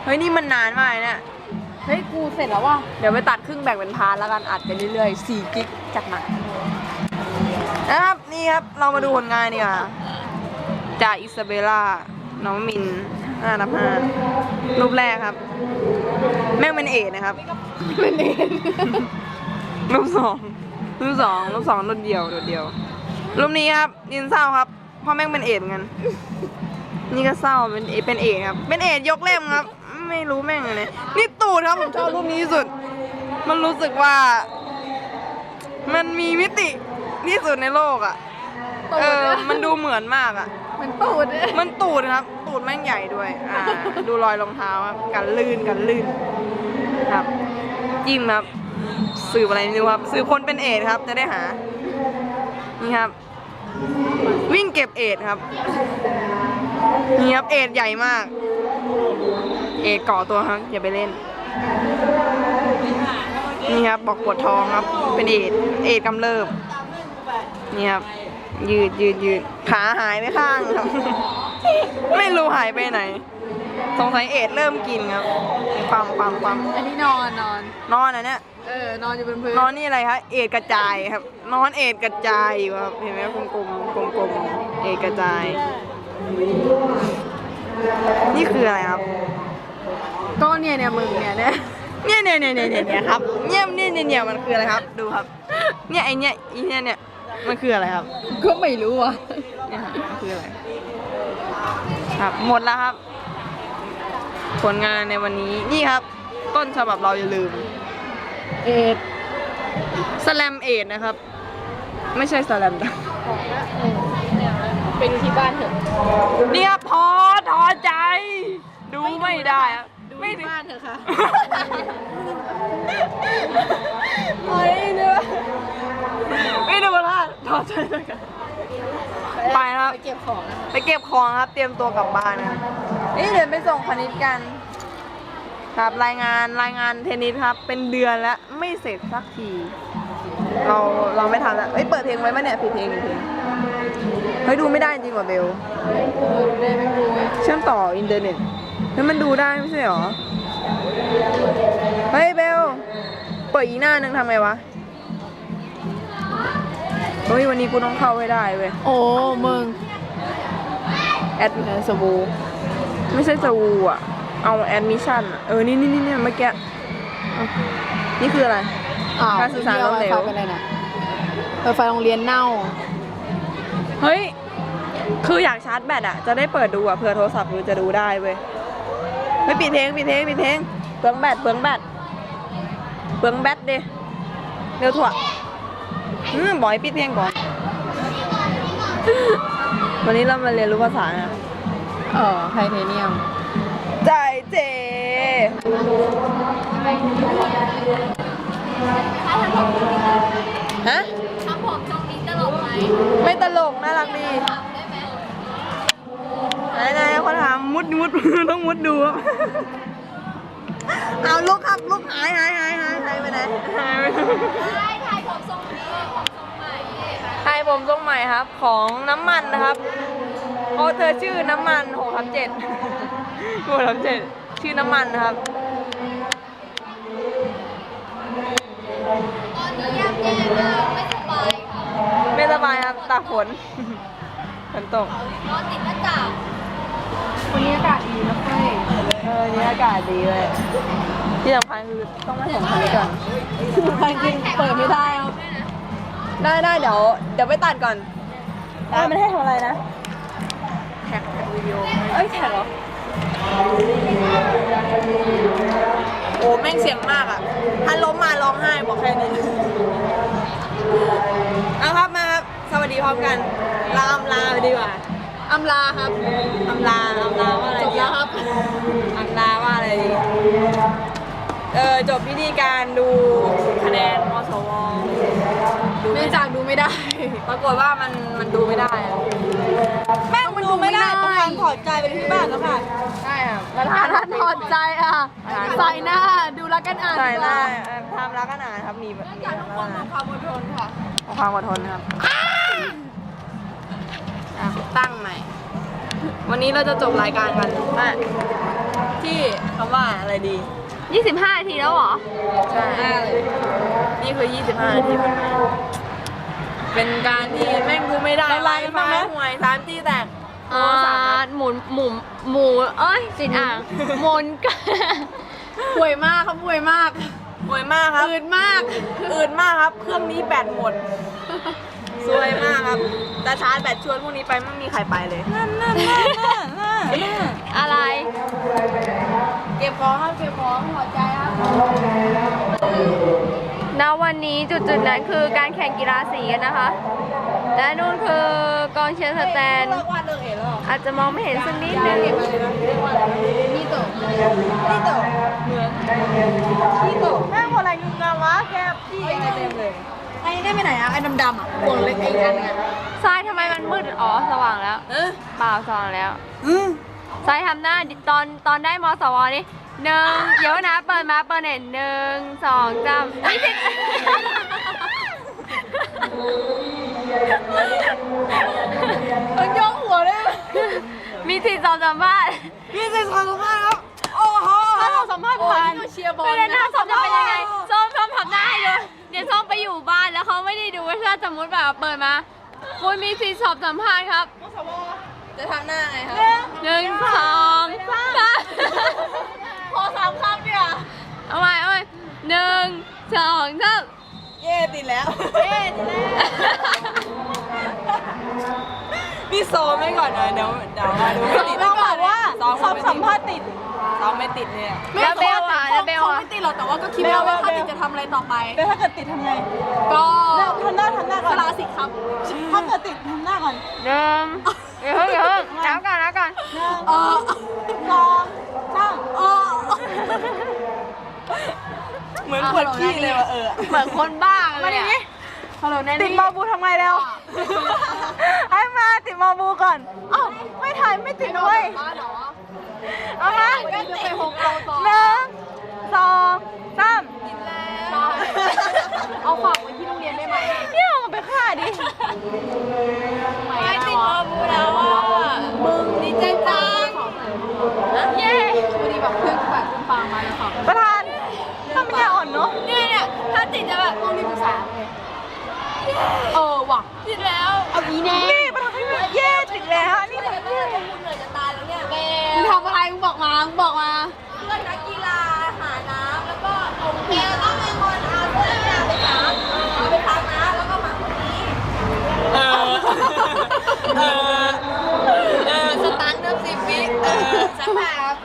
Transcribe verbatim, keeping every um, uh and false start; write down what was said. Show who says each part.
Speaker 1: เฮ้ยนี่มันนานมากเนี่ย
Speaker 2: เฮ้ยกูเสร็จแล้วว่ะ
Speaker 1: เดี๋ยวไปตัดครึ่งแบ่งเป็นพาร์ทแล้วกันอัดไปเรื่อยๆสี่กิกจัดหนักนะครับนี่ครับเรามาดูผลงานดีกว่าจากอิซาเบลล่าน้องมินห้านับห้ารูปแรกครับ แม่งเป็นเอดนะครับ
Speaker 2: เป็นเอง
Speaker 1: รูปสองรูปสองรูปสองรูปเดียวรูปเดียวรูปนี้ครับดินเศร้าครับเพราะแม่งเป็นเอดเหมือนกันนี่ก็เศร้าเป็นเอเป็นเอดครับเป็นเอดยกเล่มครับไม่รู้แม่งอะไรนี่ตูดครับผมชอบรูปนี้ที่สุดมันรู้สึกว่า มันมีมิติที่สุดในโลกอ่ะเออมันดูเหมือนมากอ่ะ
Speaker 2: มันตูด
Speaker 1: มันตูดครับตูดแม่งใหญ่ด้วยอ่าดูรอยรองเท้าครับกันลื่นกันลื่นครับจิ้มครับสืบอะไรไม่รู้ครับสืบคนเป็นเอดครับจะได้หานี่ครับวิ่งเก็บเอดครับนี่ครับเอดใหญ่มากเอดก่อตัวครับอย่าไปเล่นนี่ครับบอกปวดท้องครับเป็นเอดเอดกำเริบนี่ครับยืดยืดยืดขาหายไปข้างครับ ไม่รู้หายไปไหนสงสัยเอดเริ่มกินครับปั๊มปั๊มปั๊ม
Speaker 2: อันนี้นอนนอน
Speaker 1: นอนอ่ะเนี่ย
Speaker 2: เออนอนอยู่บนพื้น
Speaker 1: นอนนี่อะไรครับเอดกระจายครับนอนเอดกระจายอยู่ครับเห็นไหมกลมกลมกลมกลมๆเอดกระจายนี่คืออะไรครับ
Speaker 2: ก็เนี่ยเนี่ยมึงเนี่ยเนี่ย
Speaker 1: เนี่ยเนี่ยเนี่ยเนี่ยเนี่ยครับเนี่ยเนี่ยเนี่ยเนี่ยมันคืออะไรครับดูครับเนี่ยไอเนี่ยไอเนี่ยเนี่ยมันคืออะไรครับ
Speaker 2: ก็ไม่รู้อ่ะ
Speaker 1: เนี่ยครับมันคืออะไรครับหมดแล้วครับ ผลงานในวันนี้นี่ครับ ต้นฉบับเราอย่าลืม
Speaker 2: เอ็ด
Speaker 1: สแลมเอดนะครับ ไม่ใช่สแลมดัง
Speaker 2: ไปดูที่บ้านเถอะ
Speaker 1: นี่ครับพอถอใจ ดูไม่ได้ครับ
Speaker 2: ดู
Speaker 1: ไม่
Speaker 2: ที่บ้านเถอะค่ะ
Speaker 1: เฮ้ยเนื้อไม่ดูละถอใจเลยกันไปครับ
Speaker 2: ไปเก็บของนะ
Speaker 1: ไปเก็บของครับ เตรียมตัวกลับบ้านนะครับนี่เดี๋ยวไปส่งคณิตกัน ครับรายงานรายงานเทนนิสครับ เป็นเดือนแล้วไม่เสร็จสักที เราเราไม่ทำแล้วเอ้ยเปิดเพลงไว้ไหมเนี่ยผิดเพลงผิดเพลงเฮ้ยดูไม่ได้จริงว่ะเบล
Speaker 2: ได้ไม่รู้
Speaker 1: เชื่อมต่ออินเทอร์เน็ตแล้วมันดูได้ไม่ใช่หรอเฮ้ยเบลเปิดอีกหน้านึงทำไงวะเฮ้ยวันนี้กูต้องเข้าให้ได้เว้ย
Speaker 2: โอ้มึง
Speaker 1: แอดสวูไม่ใช่สวูอ่ะเอาแอดมิชชั่นเออนี่นี่นี่เนี่ยเมื่อกี้นี่คืออะไร
Speaker 2: อ้าว
Speaker 1: การสื่อสารล้มเหลว
Speaker 2: ไฟเป็นอะไรนะไฟไฟโรงเรียนเน่า
Speaker 1: เฮ้ยคืออยากชาร์จแบตอ่ะจะได้เปิดดูอ่ะเผื่อโทรศัพท์กูจะดูได้เว้ยไม่ปิดเพลงปิดเพลงปิดเพลงเปลืองแบตเปลืองแบตเปลืองแบตดิเร็วถั่วอืมบอกให้ปิดเพลงก่อน วันนี้เรามาเรียนรู้ภาษานะ
Speaker 2: เออไทเทเนียม
Speaker 1: ใจเจฮะ
Speaker 3: ทำผมทรงนี้ตลกไหม
Speaker 1: ไม่ตลกน่ารักดี
Speaker 3: ได้ไหม
Speaker 1: ไหนไหนเขาถามมุดมุด ต้องมุดดูครับเอาลุกครับลุกหายหายหายหายหายไปไหนหายไปไหน
Speaker 3: ได้ถ่ายผมทรงนี้ผมทรงใหม่
Speaker 1: ให้ผมทรงใหม่ครับ ของน้ำมันนะครับเพราะเธอชื่อน้ำมันหกทับเจ็ดหกทับเจ็ดชื่อน้ำมันนะครับ
Speaker 3: ตอนนี้ย่ำแย่มากไม่สบายค่ะ
Speaker 1: ไม่สบายครับตากฝน ฝนตก
Speaker 3: นอนติดหน้ากาก
Speaker 2: วันนี้อากาศดีนะเฟ้ย
Speaker 1: เออนี่อากาศดีเลยที่สำคัญคือต้องมาส่งคณิตก่อน
Speaker 2: ทางจริงเปิดไม่ได้ครับ
Speaker 1: ได้ได้เดี๋ยวเดี๋ยวไปตัดก่อนได้มันให้ทำอะไรนะแท็กแท็กวิดีโอเอ้ยแท็กเหรอโอ้แม่งเสียงมากอ่ะถ้าล้มมาร้องไห้บอกแค่นี้เอาครับมาครับสวัสดีพร้อมกันลาอำลาไปดีกว่า
Speaker 2: อำลาครับ
Speaker 1: อำลาอำลาว่าอะไร
Speaker 2: จบ
Speaker 1: ดี
Speaker 2: แล้วครับ
Speaker 1: อำลาว่าอะไรดีเออจบพิธีการดูคะแนนมสวดู
Speaker 2: เนื่องจากดูไม่ได้
Speaker 1: ปรากฏว่ามันมันดูไม่ได้อะแม่งมันดูไม่ได้ต้องการถอดใจไปที่บ้านแล้วค่ะใช่ค่ะประธา
Speaker 2: ถ้าน ถอดใจอ่ะ ใส่หน้า ดูรักกันอ่าน
Speaker 1: ใส่หน้า
Speaker 2: ดีกว่า
Speaker 1: ทำรักกันอ่านครับมีแบบมี
Speaker 2: จากทุกคนมีความอดทนค่ะ
Speaker 1: ความอดทนครับอ่ะตั้งใหม่ วันนี้เราจะจบรายการกันมาที่คำว่าอะไรดี
Speaker 2: ยี่สิบห้านาทีแล้วเหรอ
Speaker 1: ใช่นี่คือยี่สิบห้านาทีผ่านไปเป็นการที่แม่งกูไม่ได้ไลฟ์ไฟห่วยสามที่แตก
Speaker 2: อ่าหมุนหมุนหมูเอ้ยจิตอ่างหมุนกัน
Speaker 1: ห่วยมากครับห่วยมากห่วยมากครับ
Speaker 2: อืดมาก
Speaker 1: อืดมากครับ เครื่องนี้แบตหมดซวยมากครับแต่ชาร์จแบตชวนพวกนี้ไปไม่มีใครไปเลยนั่นนั่นนั่นนั่นนั่น
Speaker 2: อะไร
Speaker 1: เก็บของครับเก็บของหัวใจครับ
Speaker 2: ณวันนี้จุดๆนั้นคือการแข่งกีฬาสีกันนะคะ และนู่นคือกองเชียร์สแตน
Speaker 1: เลิกวาดเลิกเอ๋แล้ว
Speaker 2: อาจจะมองไม่เห็นสักนิดนึง
Speaker 1: นี่โตนี่โตเหมือนนี่โตแม่งอะไรงึงงาวะแกพี่อะไรเต็มเลยไอ้ได้ไปไหนอะไอ้ดำๆอะพวงเล็กไอ้อันไง
Speaker 2: ทรายทำไมมันมืด อ๋อ สว่างแล้ว
Speaker 1: เออ
Speaker 2: เปล่าสว่างแล้ว
Speaker 1: อืม
Speaker 2: ทรายทำหน้าตอนตอนได้มสวนี่หนึ่งเดี๋ยวนะ เปิดมาเปิดเน็ตหนึ่งสองสามนี่สิ
Speaker 1: มันยกหัวเลย
Speaker 2: มีสิทธิ์สอบสัมภาษณ์
Speaker 1: พี่จะทำมากครับโอ้โหถ้าเราสัมภาษณ์ผ่าน
Speaker 3: เชียร์บอล
Speaker 2: ไม่ได้หน้าส้มจะเป็นยังไงส้มส้มทำหน้าให้ดูเดี๋ยวส้มไปอยู่บ้านแล้วเขาไม่ได้ดูว่าถ้าสมมติแบบเปิดมาคุณมีสิทธิ์สอบสัมภาษณ์ครับ
Speaker 1: จะทำหน้าไงครับ
Speaker 2: หนึ่งสองสาม
Speaker 3: พอสามคำเนี่ย
Speaker 2: เอาใหม่เอาใหม่หนึ่งสองสาม
Speaker 1: เย่ติดแล้วเย่ติดแล้วนี่ซ้อมไว้ก่อนนะเดี๋ยวเดี๋ยวมาดูติดต้องบอกว่าซ้อมสัมภาษณ์ติดซ้อมไม่ติดเนี่ย
Speaker 2: แล้วเบลอ่ะแล้วเบล
Speaker 3: เขา
Speaker 2: อ่ะ
Speaker 3: ไม่ติดหรอกแต่ว่าก็คิดว่าว่าถ้าติดจะทำอะไรต่อไป
Speaker 1: แล้วถ้าเกิดติดทำไง
Speaker 3: ก็
Speaker 1: ทำหน้าทำหน้าก่อน
Speaker 3: สลาสิทธิ์ครับ
Speaker 1: ถ้าเกิดติดทำหน้าก่อน
Speaker 2: หนึ่งเดี๋ยวเพิ่งเดี๋ยวเพิ่งแล้วก่อนแล้วก่อน
Speaker 1: หนึ่ง
Speaker 3: เออ
Speaker 1: สองสาม
Speaker 3: เออ
Speaker 1: เหมือนปวดขี้เลยว่ะเออ
Speaker 2: เหมือนคนบ้าเลยอ่ะ
Speaker 3: ฮัลโหลแนน
Speaker 1: ติด
Speaker 3: นี่
Speaker 1: มอบูทำไงเร็วให้มาติดมอบูก่อนอ้าวไม่ถ่ายไม่ติดด้วย
Speaker 3: บ้านเหรอ
Speaker 1: เอามา
Speaker 3: ก็ติดไปหกเราต่อ
Speaker 1: หนึ่งสองสาม
Speaker 3: เอาฝากไว้ที่โรงเรียนได้ไหม
Speaker 1: เนี่ยเอาไปฆ่าดิ
Speaker 3: ไม่ติดมอบูแล้วอ่ะมึงดีใจจัง
Speaker 2: เย้
Speaker 3: วันนี้แบบเพื่อนแบบคุณฟังมาแล้วค่ะ
Speaker 1: ประธานถ้ามันยาอ่อนเนาะ
Speaker 2: เนี่ยเนี่ยถ้าติดจะแบบ
Speaker 3: ห้องนี้ภาษาเออว่ะ
Speaker 2: ติดแล้ว
Speaker 3: เอาอีแน่
Speaker 1: นี่ประธานไม่เย่ติดแล้วนี่มัน
Speaker 3: เพื่อนมึงเหนื่อยจะตายแล้วเนี่ยมึงทำอะไรมึงบอกมามึงบอกมาเพื่อนนักกีฬาหาน้ำแล้วก็ลงแกต้องเป็นคนเอาเพื่อนเนี่ยไปพักเอาไปพักนะแล้วก็พักคนนี้
Speaker 1: เออเออเออ
Speaker 3: สตาร์ทเริ่มสิบวิเออสักพัก